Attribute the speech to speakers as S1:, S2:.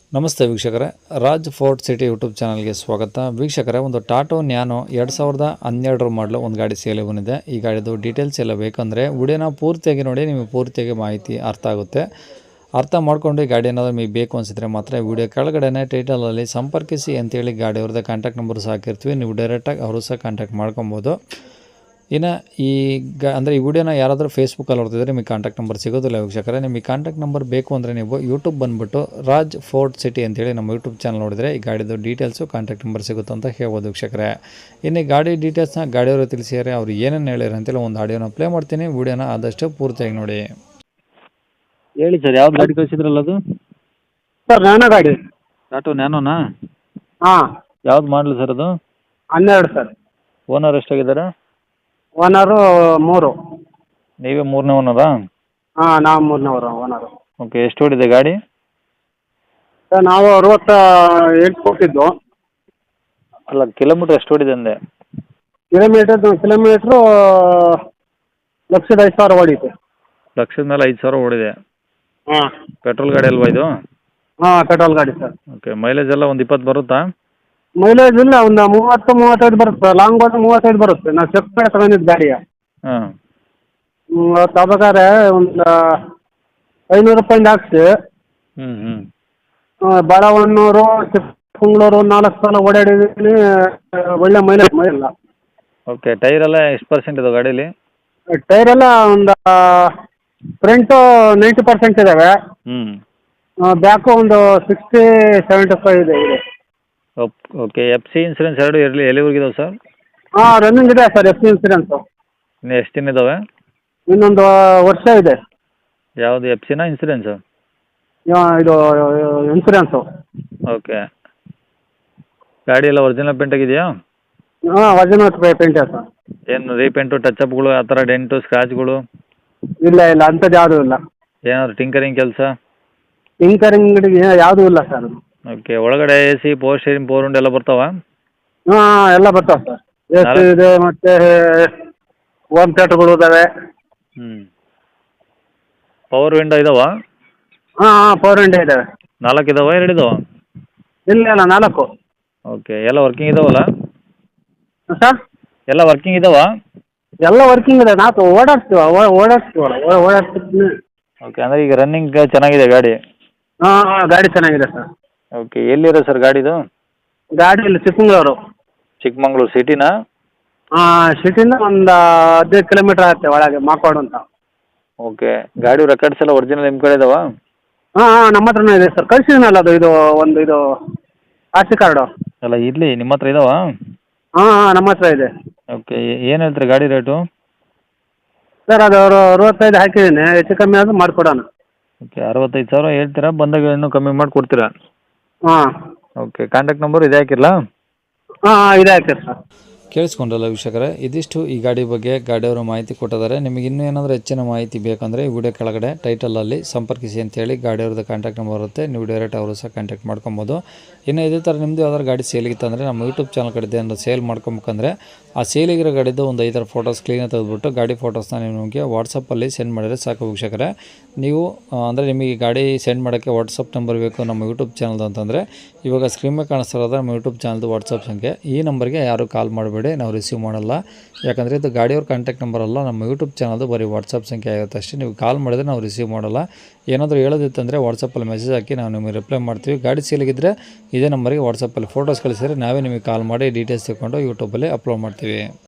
S1: ನಮಸ್ತೆ ವೀಕ್ಷಕರೇ, Raj fort city YouTube ಚಾನಲ್ಗೆ ಸ್ವಾಗತ. ವೀಕ್ಷಕರೇ, ಒಂದು ಟಾಟೋ ನ್ಯಾನೋ 2012 ಮಾಡಲು ಒಂದು ಗಾಡಿ ಸೇಲ್ ಬಂದಿದೆ. ಈ ಗಾಡಿದು ಡೀಟೇಲ್ಸ್ ಎಲ್ಲ ಬೇಕಂದರೆ ವಿಡಿಯೋನ ಪೂರ್ತಿಯಾಗಿ ನೋಡಿ, ನಿಮಗೆ ಪೂರ್ತಿಯಾಗಿ ಮಾಹಿತಿ ಅರ್ಥ ಆಗುತ್ತೆ. ಅರ್ಥ ಮಾಡ್ಕೊಂಡು ಈ ಗಾಡಿ ಏನಾದರೂ ನಿಮಗೆ ಬೇಕು ಅನಿಸಿದ್ರೆ ಮಾತ್ರ ವಿಡಿಯೋ ಕೆಳಗಡೆ ಟೈಟಲಲ್ಲಿ ಸಂಪರ್ಕಿಸಿ ಅಂತೇಳಿ ಗಾಡಿಯವ್ರದ್ದು ಕಾಂಟ್ಯಾಕ್ಟ್ ನಂಬರ್ ಸಹ ಹಾಕಿರ್ತೀವಿ. ನೀವು ಡೈರೆಕ್ಟಾಗಿ ಅವರು ಸಹ ಕಾಂಟ್ಯಾಕ್ಟ್ ಮಾಡ್ಕೊಬೋದು. ಇನ್ನು ಈ ವಿಡಿಯೋನ ಯಾರಾದರೂ ಫೇಸ್ಬುಕ್ಕಲ್ಲಿ ನೋಡ್ತಿದ್ರೆ ನಿಮಗೆ ಕಾಂಟ್ಯಾಕ್ಟ್ ನಂಬರ್ ಸಿಗೋದಿಲ್ಲ ವೀಕ್ಷಕರೇ. ನಿಮಗೆ ಕಾಂಟ್ಯಾಕ್ಟ್ ನಂಬರ್ ಬೇಕು ಅಂದರೆ ನೀವು ಯೂಟ್ಯೂಬ್ ಬಂದುಬಿಟ್ಟು ರಾಜ್ ಫೋರ್ಟ್ ಸಿಟಿ ಅಂತೇಳಿ ನಮ್ಮ ಯೂಟ್ಯೂಬ್ ಚಾನಲ್ ನೋಡಿದರೆ ಈ ಗಾಡಿದು ಡೀಟೇಲ್ಸು ಕಾಂಟ್ಯಾಕ್ಟ್ ನಂಬರ್ ಸಿಗುತ್ತೆ ಅಂತ ಹೇಳ್ಬೋದು ವೀಕ್ಷಕರೇ. ಇನ್ನು ಗಾಡಿ ಡೀಟೇಲ್ಸ್ನ ಗಾಡಿಯವರು ತಿಳಿಸಿದರೆ ಅವ್ರು ಏನೇನು ಹೇಳಿರ ಅಂತೇಳಿ ಒಂದು ಆಡಿಯೋನ ಪ್ಲೇ ಮಾಡ್ತೀನಿ. ವಿಡಿಯೋನ ಆದಷ್ಟು ಪೂರ್ತಿಯಾಗಿ ನೋಡಿ.
S2: ಹೇಳಿ ಸರ್, ಯಾವ್ದು ಗಾಡಿ ಕಳಿಸಿದ್ರಲ್ಲ ಅದು?
S3: ಸರ್ ನ್ಯಾನೋ ಗಾಡಿ.
S2: ಟಾಟೋ ನ್ಯಾನೋನಾ?
S3: ಹಾಂ,
S2: ಯಾವ್ದು ಮಾಡಲಿ ಸರ್ ಅದು?
S3: 12 ಸರ್.
S2: ಓನರ್ ಎಷ್ಟಾಗಿದ್ದಾರೆ?
S3: ಓನರು 3.
S2: ನೀವೇ ಮೂರನೇ ಓನರಾ?
S3: ಹಾಂ, ನಾವು 3ನೇ ಓನರು.
S2: ಓಕೆ, ಎಷ್ಟು ಓಡಿದೆ ಗಾಡಿ?
S3: ಸರ್ ನಾವು 68 ಕೊಟ್ಟಿದ್ದು.
S2: ಅಲ್ಲ, ಕಿಲೋಮೀಟ್ರ್ ಎಷ್ಟು ಓಡಿದೆ ಅಂದೆ?
S3: ಕಿಲೋಮೀಟ್ರು 1,05,000 ಓಡಿದೆ.
S2: ಲಕ್ಷದ ಮೇಲೆ 5,000 ಓಡಿದೆ.
S3: ಹಾಂ
S2: ಪೆಟ್ರೋಲ್ ಗಾಡಿ ಅಲ್ವಾ ಇದು?
S3: ಹಾಂ, ಪೆಟ್ರೋಲ್ ಗಾಡಿ ಸರ್.
S2: ಓಕೆ, ಮೈಲೇಜ್ ಎಲ್ಲ ಒಂದು 20 ಬರುತ್ತಾ?
S3: ಮೈಲೇಜ್ ಇಲ್ಲ, ಒಂದು 30-35 ಬರುತ್ತೆ. ಲಾಂಗ್ ಹೋದ್ರೆ 35 ಬರುತ್ತೆ. ನಾವು ಚೆಕ್ ಮಾಡಿ ತಗೊಂಡಿದ್ದು ಗಾಡಿಯ.
S2: ಹಾಂ.
S3: ತಗೋಬೇಕಾದ್ರೆ ಒಂದು 500 ರೂಪಾಯಿಂದ ಹಾಕ್ಸಿ.
S2: ಹ್ಞೂ.
S3: ಬಾಳವನ್ನೂರು, ಚಿಕ್ಕಮಗಳೂರು 4 ಸಲ ಓಡಾಡಿದ್ದೀನಿ. ಒಳ್ಳೆ ಮೈಲೇಜ್ ಇಲ್ಲ.
S2: ಓಕೆ, ಟೈರ್ ಎಲ್ಲ ಎಷ್ಟು ಪರ್ಸೆಂಟ್ ಇದಾವೆ ಗಾಡೀಲಿ?
S3: ಟೈರ್ ಎಲ್ಲ ಒಂದು ಫ್ರಂಟು 90% ಇದ್ದಾವೆ.
S2: ಹ್ಞೂ.
S3: ಬ್ಯಾಕು ಒಂದು 60-75 ಇದೆ.
S2: ಓಕೆ, ಎಫ್ ಸಿ ಇನ್ಸೂರೆನ್ಸ್ ಎರಡು ಎಲ್ಲಿವರೆಗೆ ಇದಾವೆ ಸರ್?
S3: ಹಾಂ, ರನ್ನಿಂಗ್ ಇದೆ ಸರ್ ಎಫ್ ಸಿ ಇನ್ಸೂರೆನ್ಸು.
S2: ಇನ್ನು ಎಷ್ಟು ದಿನ ಇದ್ದಾವೆ?
S3: ಇನ್ನೊಂದು ವರ್ಷ ಇದೆ.
S2: ಯಾವುದು, ಎಫ್ ಸಿನಾ ಇನ್ಸೂರೆನ್ಸು?
S3: ಇದು ಇನ್ಸೂರೆನ್ಸು.
S2: ಓಕೆ, ಗಾಡಿ ಎಲ್ಲ ಒರಿಜಿನಲ್ ಪೇಂಟ್ ಆಗಿದೆಯಾ?
S3: ಹಾಂ, ಒರಿಜಿನಲ್ ಪೇಂಟ್ ಇದೆ ಸರ್.
S2: ಏನು ರೀಪೇಂಟು, ಟಚಪ್ಗಳು ಆ ಥರ ಡೆಂಟು ಸ್ಕ್ರಾಚ್ಗಳು?
S3: ಇಲ್ಲ ಅಂಥದ್ದು ಯಾವುದೂ ಇಲ್ಲ.
S2: ಏನಾದ್ರು ಟಿಂಕರಿಂಗ್ ಕೆಲಸ?
S3: ಟಿಂಕರಿಂಗ್ ಯಾವುದೂ ಇಲ್ಲ ಸರ್.
S2: ಓಕೆ, ಒಳಗಡೆ A C, power steering, power window ಎಲ್ಲ ಬರ್ತಾವ?
S3: ಹಾಂ, ಎಲ್ಲ ಬರ್ತಾವೆ ಸರ್. ಎ ಸಿ ಇದೆ, ಮತ್ತು ಹೋಮ್ ಥಿಯೇಟ್ರ್ಗಳು ಇದ್ದಾವೆ.
S2: ಹ್ಞೂ. ಪವರ್ ವಿಂಡೋ ಇದಾವ?
S3: ಹಾಂ, ಪವರ್ ವಿಂಡೋ ಇದ್ದಾವೆ.
S2: 4 ಇದಾವ, 2 ಇದಾವ?
S3: ಇಲ್ಲ 4.
S2: ಓಕೆ, ಎಲ್ಲ ವರ್ಕಿಂಗ್ ಇದಾವಲ್ಲ?
S3: ಸರ್
S2: ಎಲ್ಲ ವರ್ಕಿಂಗ್ ಇದಾವ?
S3: ಎಲ್ಲ ವರ್ಕಿಂಗ್ ಇದೆ. ನಾವು ಓಡಾಡ್ತೀವಲ್ಲ.
S2: ಓಕೆ, ಅಂದರೆ ಈಗ ರನ್ನಿಂಗ್ ಚೆನ್ನಾಗಿದೆ ಗಾಡಿ?
S3: ಹಾಂ, ಗಾಡಿ ಚೆನ್ನಾಗಿದೆ ಸರ್.
S2: ಓಕೆ, ಎಲ್ಲಿರೋ ಸರ್ ಗಾಡಿದು?
S3: ಗಾಡಿ ಇಲ್ಲಿ ಚಿಕ್ಕಮಗಳೂರು.
S2: ಚಿಕ್ಕಮಂಗ್ಳೂರು ಸಿಟಿನಾ?
S3: ಹಾಂ, ಸಿಟಿಯಿಂದ ಒಂದು 15 ಕಿಲೋಮೀಟ್ರ್ ಆಗುತ್ತೆ ಒಳಗೆ, ಮಾಕೋಡು ಅಂತ.
S2: ಓಕೆ, ಗಾಡಿ ರೆಕಾರ್ಡ್ಸ್ ಎಲ್ಲ ಒರಿಜಿನಲ್ ನಿಮ್ಮ ಕಡೆ ಇದಾವ?
S3: ಹಾಂ, ನಮ್ಮ ಹತ್ರನೇ ಇದೆ ಸರ್. ಕಳಿಸಿದ್ದೀನಲ್ಲ ಅದು, ಇದು ಆರ್ ಸಿ ಕಾರ್ಡು.
S2: ಅಲ್ಲ, ಇರಲಿ, ನಿಮ್ಮ ಹತ್ರ ಇದಾವ?
S3: ಹಾಂ, ನಮ್ಮ ಹತ್ರ ಇದೆ.
S2: ಓಕೆ, ಏನು ಹೇಳ್ತೀರಿ ಗಾಡಿ ರೇಟು?
S3: ಸರ್ ಅದು 65 ಹಾಕಿದ್ದೀನಿ. ಹೆಚ್ಚು ಕಮ್ಮಿ ಆದರೂ ಮಾಡಿಕೊಡೋಣ.
S2: ಓಕೆ, 65,000 ಹೇಳ್ತೀರಾ? ಬಂದಾಗ ಇನ್ನೂ ಕಮ್ಮಿ ಮಾಡಿ ಕೊಡ್ತೀರಾ?
S3: ಹಾಂ.
S2: ಓಕೆ, ಕಾಂಟ್ಯಾಕ್ಟ್ ನಂಬರ್ ಇದೆ ಹಾಕಿರಲಾ?
S3: ಹಾಂ, ಇದೆ ಹಾಕಿರಿ ಸರ್.
S1: ಕೇಳಿಸ್ಕೊಂಡ್ರಲ್ಲ ವೀಕ್ಷಕರೇ, ಇದಿಷ್ಟು ಈ ಗಾಡಿ ಬಗ್ಗೆ ಗಾಡಿಯವರು ಮಾಹಿತಿ ಕೊಟ್ಟಿದ್ದಾರೆ. ನಿಮಗೆ ಇನ್ನೂ ಏನಾದರೂ ಹೆಚ್ಚಿನ ಮಾಹಿತಿ ಬೇಕಂದರೆ ಈ ವಿಡಿಯೋ ಕೆಳಗಡೆ ಟೈಟಲಲ್ಲಿ ಸಂಪರ್ಕಿಸಿ ಅಂತೇಳಿ ಗಾಡಿಯವ್ರದ್ದು ಕಾಂಟ್ಯಾಕ್ಟ್ ನಂಬರ್ ಬರುತ್ತೆ. ನೀವು ಡೈರೆಕ್ಟ್ ಅವರು ಸಹ ಕಾಂಟ್ಯಾಕ್ಟ್ ಮಾಡ್ಕೊಬೋದು. ಇನ್ನು ಇದೇ ಥರ ನಿಮ್ಮದು ಯಾವ್ದಾದ್ರು ಗಾಡಿ ಸೇಲಿಗಿತ್ತಂದರೆ ನಮ್ಮ ಯೂಟ್ಯೂಬ್ ಚಾನಲ್ ಕಡೆ ಏನಾದ್ರು ಸೇಲ್ ಮಾಡ್ಕೊಬೇಕಂದ್ರೆ ಆ ಸೇಲಿಗಿರೋ ಗಾಡಿದ್ದು ಒಂದು 5 ಫೋಟೋಸ್ ಕ್ಲೀನಾಗಿ ತೆಗೆದುಬಿಟ್ಟು ಗಾಡಿ ಫೋಟೋಸ್ನ ನೀವು ನಿಮಗೆ ವಾಟ್ಸಪ್ಪಲ್ಲಿ ಸೆಂಡ್ ಮಾಡಿದರೆ ಸಾಕು ವೀಕ್ಷಕರೇ. ನೀವು ಅಂದರೆ ನಿಮಗೆ ಗಾಡಿ ಸೆಂಡ್ ಮಾಡೋಕ್ಕೆ ವಾಟ್ಸಪ್ ನಂಬರ್ ಬೇಕು ನಮ್ಮ ಯೂಟ್ಯೂಬ್ ಚಾನಲ್ದು ಅಂತಂದರೆ ಇವಾಗ ಸ್ಕ್ರೀನ್ ಮೇಲೆ ಕಾಣಿಸ್ತಿರೋದು ನಮ್ಮ ಯೂಟ್ಯೂಬ್ ಚಾನಲ್ದು ವಾಟ್ಸಪ್ ಸಂಖ್ಯೆ. ಈ ನಂಬರ್ಗೆ ಯಾರು ಕಾಲ್ ಮಾಡಬೇಡಿ, ನಾವು ರಿಸೀವ್ ಮಾಡಲ್ಲ. ಯಾಕಂದರೆ ಇದು ಗಾಡಿಯವ್ರ ಕಾಂಟ್ಯಾಕ್ಟ್ ನಂಬರ್ ಅಲ್ಲ, ನಮ್ಮ ಯೂಟ್ಯೂಬ್ ಚಾನಲ್ದು ಬರೀ ವಾಟ್ಸಪ್ ಸಂಖ್ಯೆ ಆಗುತ್ತೆ ಅಷ್ಟೇ. ನೀವು ಕಾಲ್ ಮಾಡಿದ್ರೆ ನಾವು ರಿಸೀವ್ ಮಾಡಲ್ಲ. ಏನಾದರೂ ಹೇಳೋದಿತ್ತಂದರೆ ವಾಟ್ಸಪ್ಪಲ್ಲಿ ಮೆಸೇಜ್ ಹಾಕಿ ನಾವು ನಿಮಗೆ ರಿಪ್ಲೈ ಮಾಡ್ತೀವಿ. ಗಾಡಿ ಸೇಲಿಗಿದ್ದರೆ ಇದೇ ನಂಬರಿಗೆ ವಾಟ್ಸಪ್ಪಲ್ಲಿ ಫೋಟೋಸ್ ಕಳಿಸಿದರೆ ನಾವೇ ನಿಮಗೆ ಕಾಲ್ ಮಾಡಿ ಡೀಟೇಲ್ಸ್ ತಿಳ್ಕೊಂಡು ಯೂಟ್ಯೂಬಲ್ಲಿ ಅಪ್ಲೋಡ್ ಮಾಡ್ತೀವಿ.